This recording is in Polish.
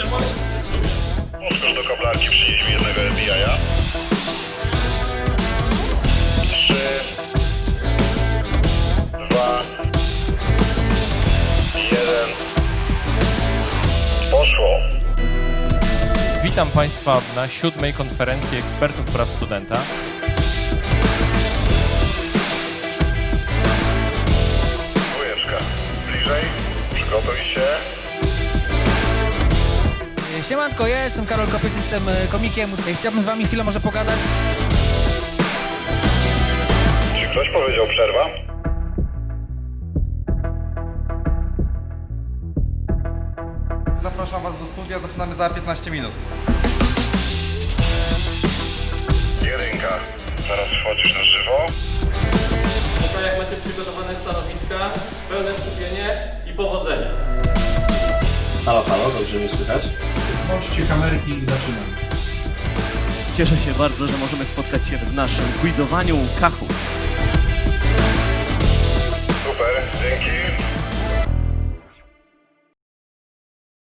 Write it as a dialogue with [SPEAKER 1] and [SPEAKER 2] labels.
[SPEAKER 1] czemu on się stresuje?
[SPEAKER 2] Podskocz do kablarki, przynieś mi jednego FBI-a. 3, 2, 1. Poszło.
[SPEAKER 3] Witam Państwa na 7. konferencji ekspertów praw studenta.
[SPEAKER 2] Dwójeczka. Bliżej. Przygotuj się.
[SPEAKER 4] Siemanko, ja jestem Karol Kopiec, jestem komikiem. Chciałbym z wami chwilę może pogadać.
[SPEAKER 2] Czy ktoś powiedział przerwa?
[SPEAKER 5] Zapraszam Was do studia, zaczynamy za 15 minut.
[SPEAKER 2] Jedynka. Zaraz wchodzisz na żywo.
[SPEAKER 1] No jak macie przygotowane stanowiska, pełne skupienie i powodzenia.
[SPEAKER 6] Halo, dobrze mnie słychać?
[SPEAKER 7] Włączcie kamerki i zaczynamy.
[SPEAKER 8] Cieszę się bardzo, że możemy spotkać się w naszym quizowaniu Kachu.
[SPEAKER 2] Super, dzięki.